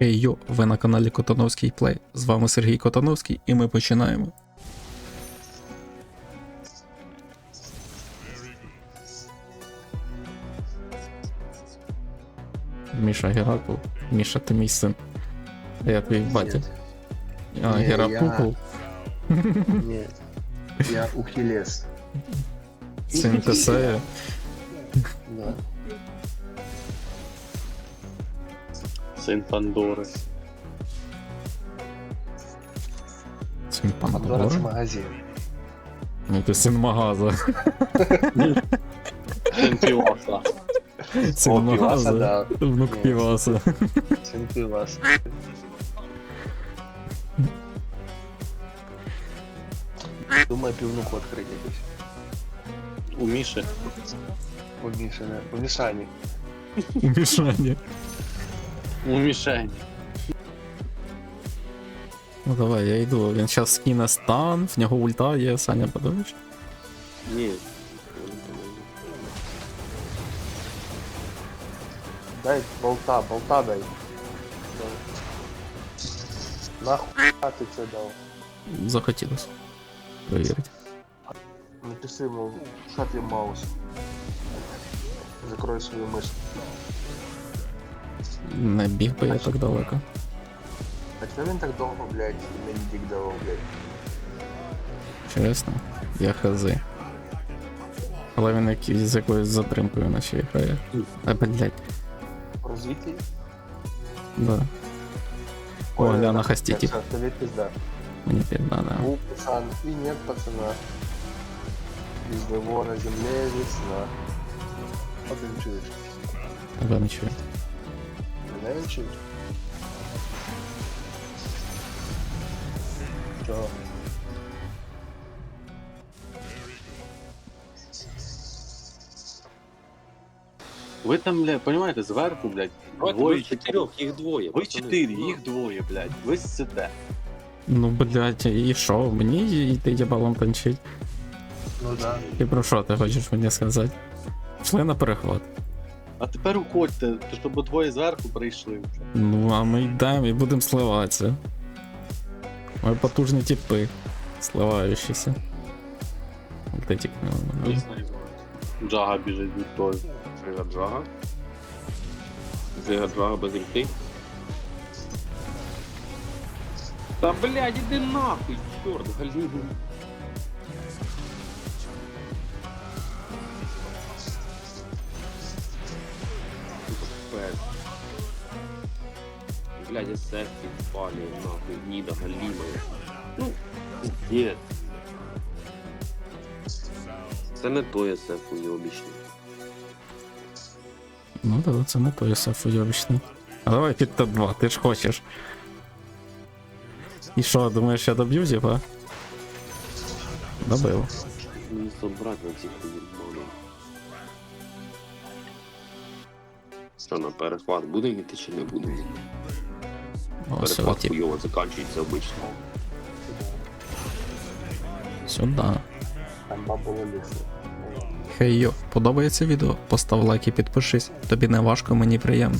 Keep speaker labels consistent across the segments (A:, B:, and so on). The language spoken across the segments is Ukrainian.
A: Хей йо, ви на каналі Котановський Плей. З вами Сергій Котановський і ми починаємо. Міша Геракл. Міша, ти мій син. А я твій батя. А,
B: Не,
A: Геракл?
B: Нет, я Ухилес.
A: Син Тесея.
B: Да.
C: Син Пандори.
A: Син
B: Пандора це
A: Пандори?
B: магазин.
A: Ну ти син Магаза.
C: Син Пілоса.
A: Син
B: О, Піваса,
A: Магаза.
B: да.
A: Внук
B: Ні.
A: Піваса.
B: Син Пивас. Думаю, пивнуху открыть якусь.
C: У Міші.
B: У Миши, да. У Мишани.
A: У Мішані.
C: У Мішені.
A: Ну давай, я йду. Він зараз скине стан, в нього ульта є, Саня, подивиш?
C: Ні.
B: Дай болта дай. Да. Нахуй ты це дал?
A: Захотілося. Провірити.
B: Напиши ему, shut your mouse. Закрой свою мышь.
A: Не біг би я так далеко.
B: А чого він так довго, блядь, мені дік давав, блядь?
A: Чесно, я хази. Але він якийсь з якоюсь затримкою наче грає. А, блядь,
B: Розвитий?
A: да. О, Ляна Хастіті.
B: Тобі пизда.
A: Мені пізда, да.
B: У, пацан, и нет пацана. Без него на земле весна. А ты не чуешь?
A: Тебе не чую.
B: Меня не чуешь? Чё?
C: Ви там, блядь, понимаєте, зверху, блядь,
D: Давайте
C: двоє
D: ви чотирьох, їх двоє.
C: Ви
D: пацани.
C: 4, їх двоє, блядь. Ви сидите.
A: Ну, блядь, і що? Мені йти ябалом танчить?
B: Ну да.
A: І про що ти хочеш мені сказати? Пішли на перехват.
C: А тепер уходьте, то щоб двоє зверху прийшли вже.
A: Ну, а ми йдемо і будемо сливатися. Ми потужні типи. Сливаючіся. Де тікнули мене?
C: Джага біжить від того.
D: Джига-джага. Джига-джага без ульти. Та блядь, іди нахуй, чорт, галюгу. Блядь, я сетки впали, нахуй, нида галимая. Ну, пиздец. Це не той СФ уйобічний.
A: Ну да, це не той СФ уйобічний. А давай під Т2, ти ж хочеш. І що, думаєш, я доб'ю зіпа? Добив.
D: Мені собрати на цих уйобанів. Що, на перехват будемо йти чи не будемо?
A: Ось
D: Перехват
A: тип.
D: хуйово закінчується обично.
A: Сюда.
B: Там бабула лісу.
A: Хей йо, подобається відео? Постав лайк і підпишись. Тобі не важко, мені приємно.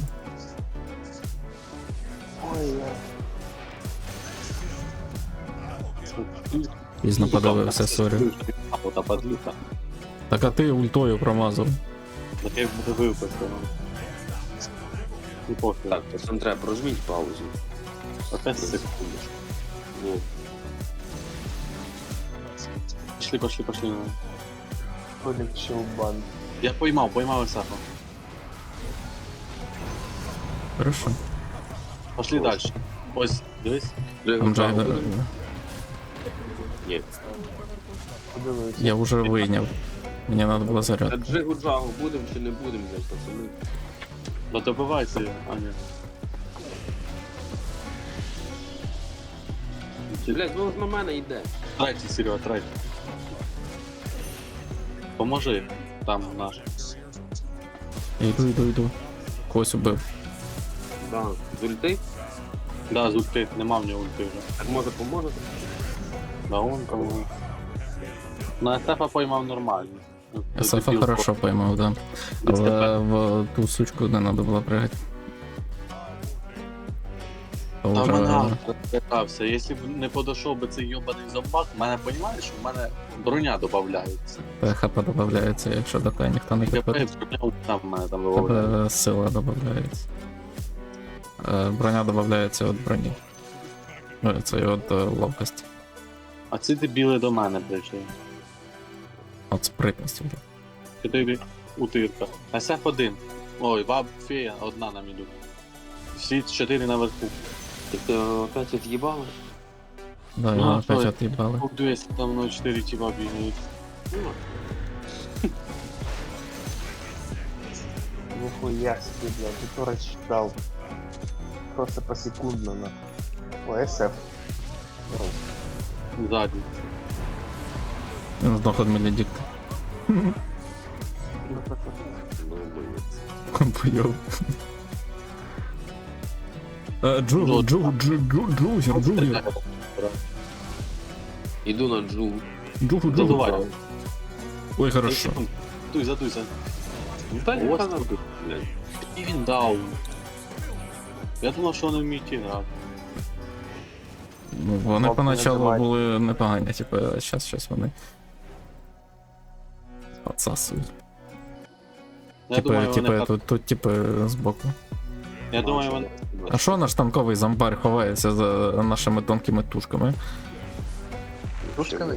B: Ой, я.
A: Пізно подивився, сорі.
C: А ота подлюка.
A: Так а ти ультою промазав.
C: Так я буду випустити. Ну пофіг.
D: Так, пацан, треба прожміть паузу.
C: Опять секунду.
D: Ну,
C: Пошли.
B: Ходик Щелбан.
C: Я поймав Исафа.
A: Хорошо.
C: Пошли дальше. Ось, дивись.
A: Там же,
D: Джига-джага буде? Ні.
B: Подивився.
A: я вже вийняв. Мені треба було
D: Та
A: заряд.
D: джигу-джагу будемо чи не будемо, блядь, пацани?
C: Ну добивайся, Аня.
D: Блядь, ну на мене йде.
C: Трайте, Серега, трайте. Поможи. Там наш.
A: Йду. Когось убив.
D: Да, з ульти?
C: Да, з ульти. Нема в нього ульти вже.
D: Так може поможете?
C: Да, он кого. На Естефа поймав нормально.
A: СФ хорошо поймав, да. Але в ту сучку не треба було пригати. То
C: А в мене
A: вже...
C: автор питався, якщо б не подійшов би цей йобаний зомбак, в мене, розумієш, що в мене броня додається.
A: ХП додається, якщо до тебе ніхто не
C: Я
A: підходить.
C: броня там в мене там додається.
A: Тебе сила додається. Броня додається від броні. Ну, це і від ловкості.
C: А ці дебіли до мене прийшли.
A: От спритності.
C: 4 утирка. SF1. Ой, баб фея, одна нам іду. Всі 4 наверху.
D: Ти опять от'їбали?
A: Да,
C: Ну,
A: його
C: а
A: опять
C: що?
A: от'їбали.
C: Тут 200, там мною 4 тіба бігають.
B: Нихуя себе, блядь, ты то рассчитал. Просто посекундно, на. О, СФ.
C: Ззаді.
A: Він здох від Меледикта.
D: Ну, боєць.
A: Бойов. Джугер.
D: Іду на джу.
C: Задувай.
A: Ой, хорошо.
C: Задуйся.
D: Та ні,
C: Ось
D: та
C: тут.
D: блядь.
C: І він даун. Я думав, що вони вміють грати.
A: Ну, вони
B: Хлопці
A: поначалу
B: називають.
A: були непогані, типу, щас вони отсасують.
C: Я думаю, вони
A: Тут, типу, збоку.
C: Я думаю, вони...
A: А що наш танковий зомбар ховається за нашими тонкими тушками?
B: Пушками?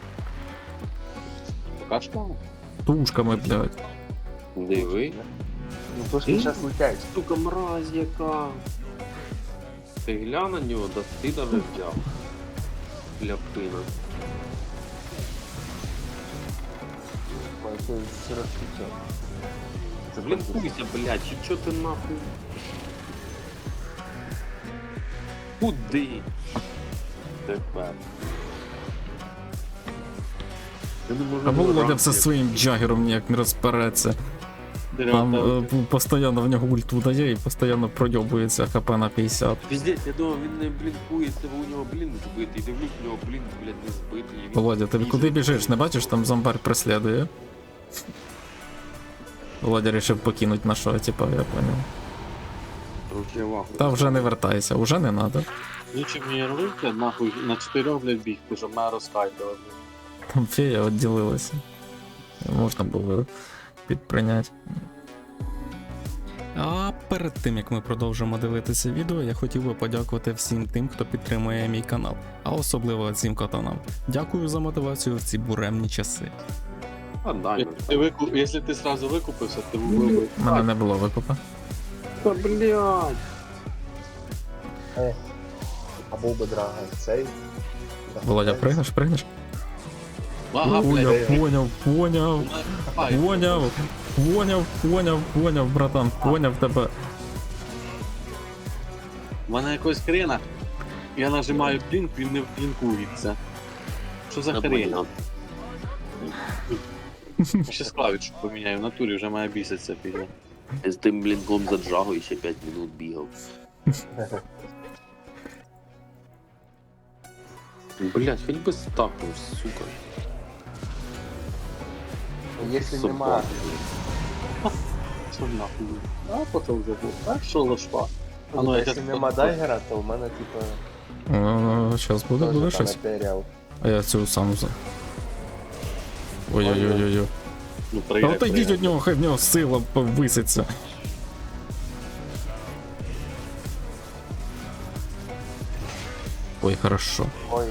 C: Пока що?
A: Тушками, блядь.
D: Диви.
B: Ну, пушки сейчас летят.
D: Сука, мразь яка. Ти глянь на нього, да ти даже взяв. Ляпина.
B: Ой, ты сырости.
D: Блін, хуйся, блядь, чи чо ти нахуй? Куди? Тепер. Я не можу
A: А Володя
D: грати,
A: все
D: як-
A: своїм джагером ніяк не розпереться.
C: Дерева
A: Там
C: там.
A: постійно в нього ульту дає і постійно пройобується хп на 50.
D: Піздець, я думав, він не блінкується, бо у нього блінк збитий. Дивлюсь, у нього блінк, блядь, не збитий. і він
A: Володя, ти
D: їздить.
A: куди біжиш? Не бачиш, там зомбар преслідує. Володя рішив покинути нашого, типа, я понял.
D: Короче, я вахую.
A: Та вже не вертайся, уже не надо.
C: Лучше мені робити, нахуй, на 4 блядь, бігти, щоб мене розкайтили.
A: Там фея відділилася. Можна було підприйняти. А перед тим як ми продовжимо дивитися відео, я хотів би подякувати всім тим, хто підтримує мій канал, а особливо цим катанам. Дякую за мотивацію в ці буремні часи.
D: А, дай,
C: Якщо ти сразу викупився, ти вбив би.
A: У мене не було викупа.
D: Та, блядь.
B: А був би драга цей.
A: Володя, пригнеш?
C: Ага, блядь.
A: Поняв, братан, поняв тебе.
C: У мене якось хрена. Я нажимаю блінк, він не блінкується. Що за хрень? Ще клавішу поміняю, в натурі вже має біситься піде.
D: З тим блінком за джагою ще 5 минут бігав. Блядь, хоч би стакнув, сука.
B: Якщо
D: Собака.
B: нема,
C: Що нахуй? А потім вже був. А що лошпа? А ну, я
B: якщо
C: щас-
B: нема дайгера, то в мене типа
A: Щас буде
B: теж там
A: щось.
B: матеріал.
A: А я цю сам за. Ой-ой-ой-ой.
C: Ну,
A: Та
C: прийде,
A: отойдіть
C: прийде.
A: від нього, хай в нього сила повиситься. Ой, хорошо.
B: Ой,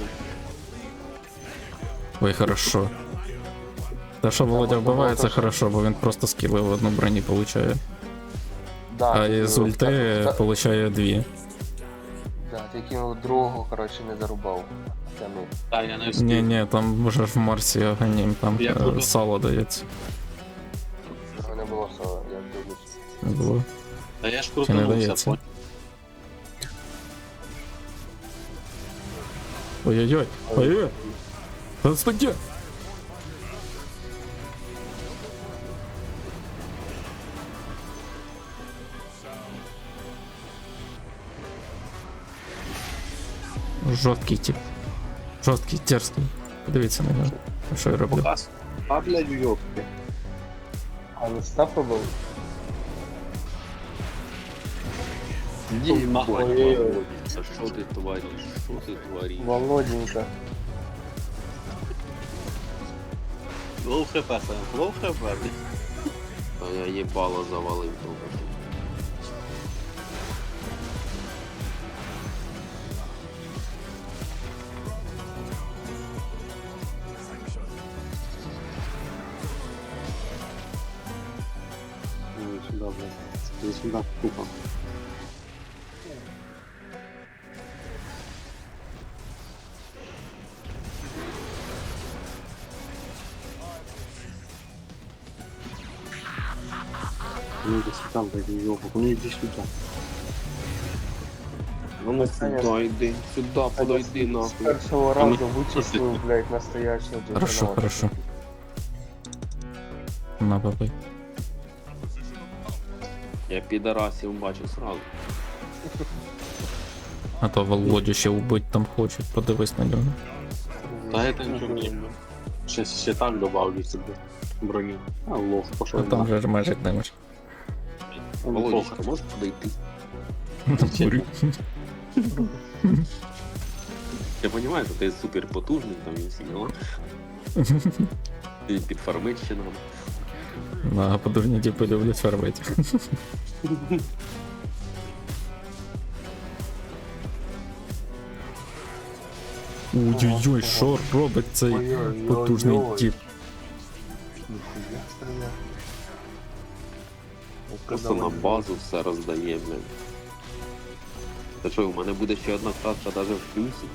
A: Ой, хорошо. Та що Володя
B: можна
A: вбиває, це
B: було теж.
A: хорошо, бо він просто скіли в одну броні получає.
B: да.
A: А
B: ти
A: із
B: кинув,
A: ульти
B: та-
A: получає 2.
B: Да, ти кинув другого, коротше, не зарубав. Тянув.
C: Та, я не встиг.
A: Ні, там вже в Марсі аганім, там
C: Я круто.
A: сало дається.
B: Його не було соло, я дивлюсь.
A: Не було.
C: Та я ж
A: Чи не
C: крутанувся,
A: дається?
C: понял?
A: Ой-ой-ой, ой-ой. Та стаття. Жорсткий тип. Жорсткий, дерзкий. Подивіться на нього. А що я роблю?
C: Показ. А, блядь, уйобки.
B: А не став робив?
D: Єбать,
B: Ой-ой-ой.
D: Володя, що ти твориш? Що ти твориш?
B: Володенька.
C: Лоу хп, Сань, лоу хп.
D: А я їбало завалив трубу.
C: Ой, сюда, блядь. Иди сюда, тупо. Ну иди сюда, блядь, ёбок, ну иди сюда.
D: Ну
B: Саня,
D: сюди йди, сюди подойди
B: З
D: нахуй.
B: першого разу вичислив, блядь, настоящего
A: Хорошо,
B: джентльмена.
A: хорошо. На бабай.
D: Я підарасів бачу сразу.
A: А то Володю ще убить там хочуть, подивись на нього.
C: Да это ничего не. Сейчас все так добавлю себе брони. А лох
A: А
C: пошел.
A: там же ж межик не може.
D: Володечка, можеш подойти?
A: Курю.
D: Я розумію, що ти супер потужний, там і всі діла. Ти підфармить ще нам.
A: На подурні типи люблять фармити. Ой-ой-ой, що робить цей
B: Ой-ой-ой-ой.
A: потужний тип?
B: Ніхуя стріляє.
D: Просто на базу все роздає, блядь. Та що, у мене буде ще одна кратка навіть в плюсі.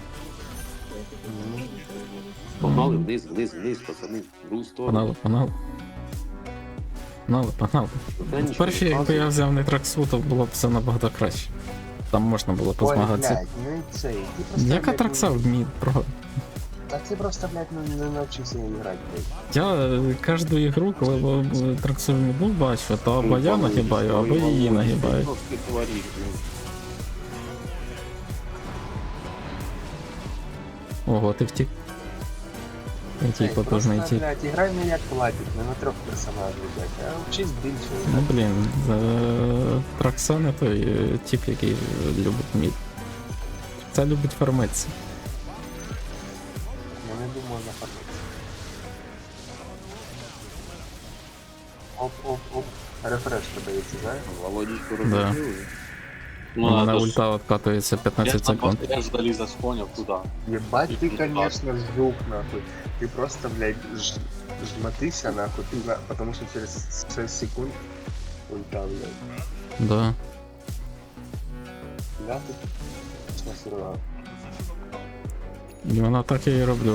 D: Погнали вниз, вниз, вниз, пацани, в другу сторону.
A: Погнали. Погнали.
D: Та нічого
A: Перші,
D: не
A: якби
D: вказує.
A: я взяв Нитраксу, то було б все набагато краще. Там можна було
B: Ой,
A: позмагатися.
B: блядь, ну і цей. Ти просто,
A: Яка
B: блядь,
A: Тракса вміє про.
B: Та ти просто, блядь, не навчився грати, блядь.
A: Я кожну ігру, коли Траксу ну, бачу, то або я нагибаю, або її нагибаю.
D: Що ти твориш, блядь?
A: Ого, ти втік. Який
B: Ей,
A: потужний
B: просто,
A: тип.
B: блядь, іграй не як платить, не на 3 персонажів, блядь, а вчись більше.
A: Ну блін, Тракса не той тип, який любить мід. Це любить фармитися.
B: Я не думаю на фармити. Оп. Рефреш подається, знаєш?
D: Володечку
A: Да.
D: розбили.
A: У мене
C: надо ж-
A: ульта откатується 15 секунд.
C: Я ж залез понял куда.
B: Ебать ты, конечно, жук, нахуй. Ты просто, блядь, жмотыся, нахуй, потому что через 6 секунд ульта, блядь.
A: Да.
B: Я тут насрала.
A: І вона так я і роблю.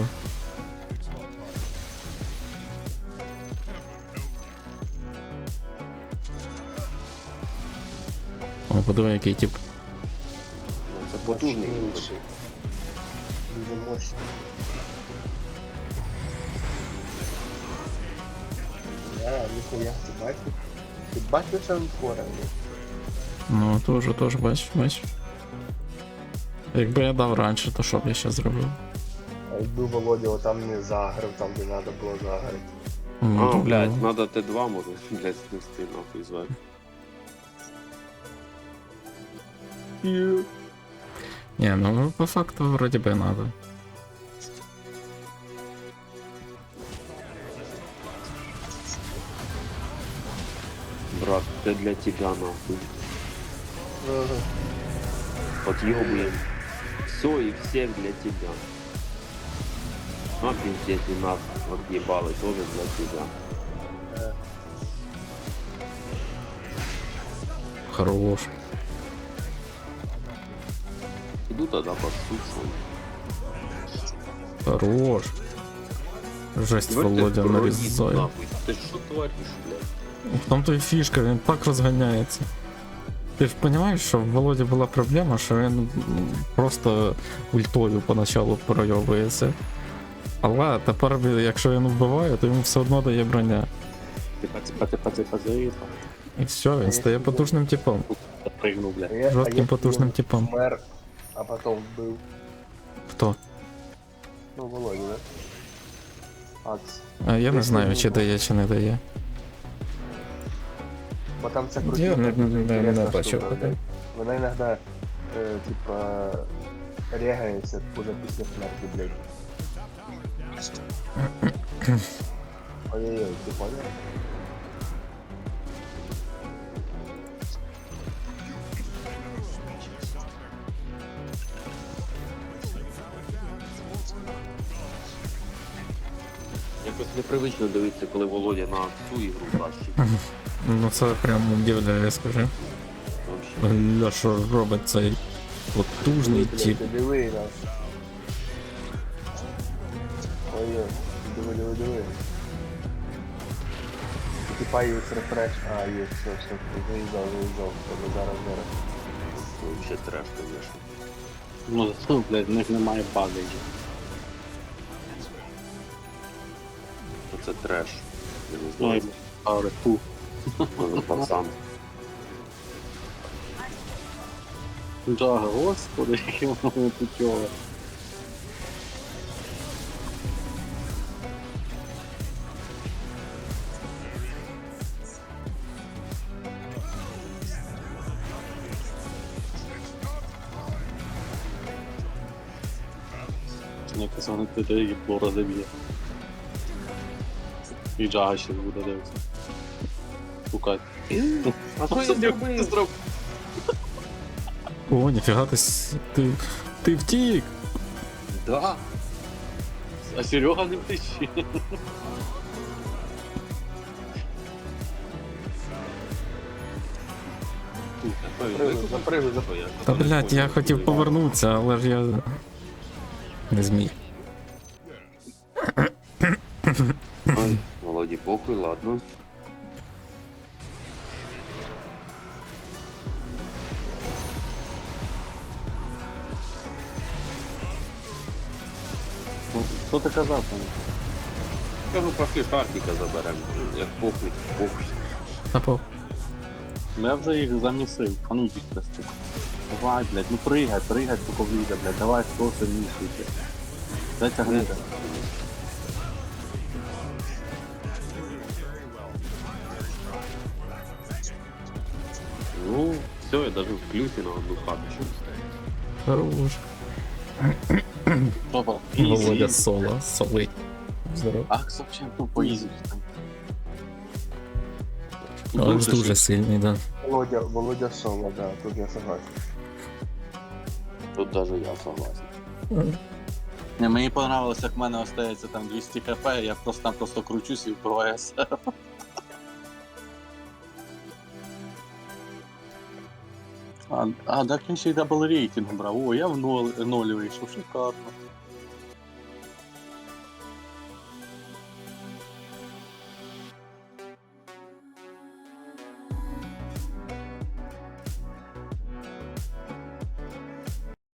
A: О, подиви, який тип.
D: Це потужний.
B: Мощнейший. Дуже мощный. Да, нихуя, ты бачишь? Ты бачишь анфора, блядь?
A: Ну, теж бачиш. Якби я дав раніше, то що б я ще зробив?
B: А якби Володя отам не загрив, там де треба було загрити.
A: Ну,
D: А,
A: то,
D: блядь, надо Т2 може, блядь, снести нахуй звати.
A: Ні, ну по факту вроді би надо.
D: Брат, це для тебя нахуй. Отъебуем. Все и всех для тебя. А пиздец, и нас отъебало тоже для тебя.
A: Хорош.
D: Иду тогда под суд.
A: Хорош. Жесть, Володя нарізає.
D: Нахуй. Ты что творишь, блядь?
A: В тому-то і фішка, він так розганяється. Ти ж розумієш, що в Володі була проблема, що він просто ультою поначалу пройовується. Але тепер, якщо він вбиває, то йому все одно дає броня.
C: Типа.
A: І все, він стає потужним типом.
C: Прыгнул, блядь.
A: Жорстким потужним типом.
B: Мер, а потом был,
A: Хто?
B: ну, Володя, да? Акс.
A: А я не знаю, чи дає, чи не дає.
B: Бо там це
A: Я не
B: інтересна
A: бачив.
B: штука, блядь. Вона іноді, типа, регається уже після смерті, блядь. Ой-ой-ой, ти понял?
D: Якось непривично дивитися, коли Володя на цю ігру тащить.
A: Ну це прям удивляє, скажи.
D: Вообще.
A: Гля, що робить цей потужний
B: Блядь,
A: тип.
B: ти диви нас. Ой-ой, диви. Типа є рефреш. А, є, все, заїжджав. Тобто зараз.
D: Це вообще треш, конечно.
C: Ну, зато, блядь, в них немає багажів.
D: Це треш. Я не
C: Ой,
D: знаю,
C: але фу.
D: може пацан.
C: Да, господи, яке воно путьове. Якось воно туди їбло розіб'є. І Джага ще буде дивитися. Шукати.
D: А що я зробив?
A: О, ніфіга ти втік!
D: Да.
C: А Серега не втече.
B: Запригуй.
A: Та блядь, я хотів повернутися, але ж я не зміг.
D: Ой, Володі, похуй, ладно.
C: Що ти казав там?
D: Кажу, пошли Шаркіка заберемо. Як похуй.
A: Та по.
C: Ну я вже їх замісив, а ну їх прости. Давай, блядь, ну пригай, поки вийде, блядь, давай, хто сильніший, блядь. Затягни.
D: Ну, все, я даже в плюсі на одну карточку.
A: Хорош.
C: Опа,
A: Володя
C: ізі.
A: солить. Здорово.
C: Акс вообще, ну, по ізі там.
A: Але ж дуже сильний, да.
B: Володя Соло, да, тут я согласен.
D: Тут даже я согласен.
C: Не, мені понравилось, як в мене остається там 200 хп, я просто кручусь і вбиваю себе. Так він ще й дабл рейтинг брав. О, я в ноль вийшов, шикарно.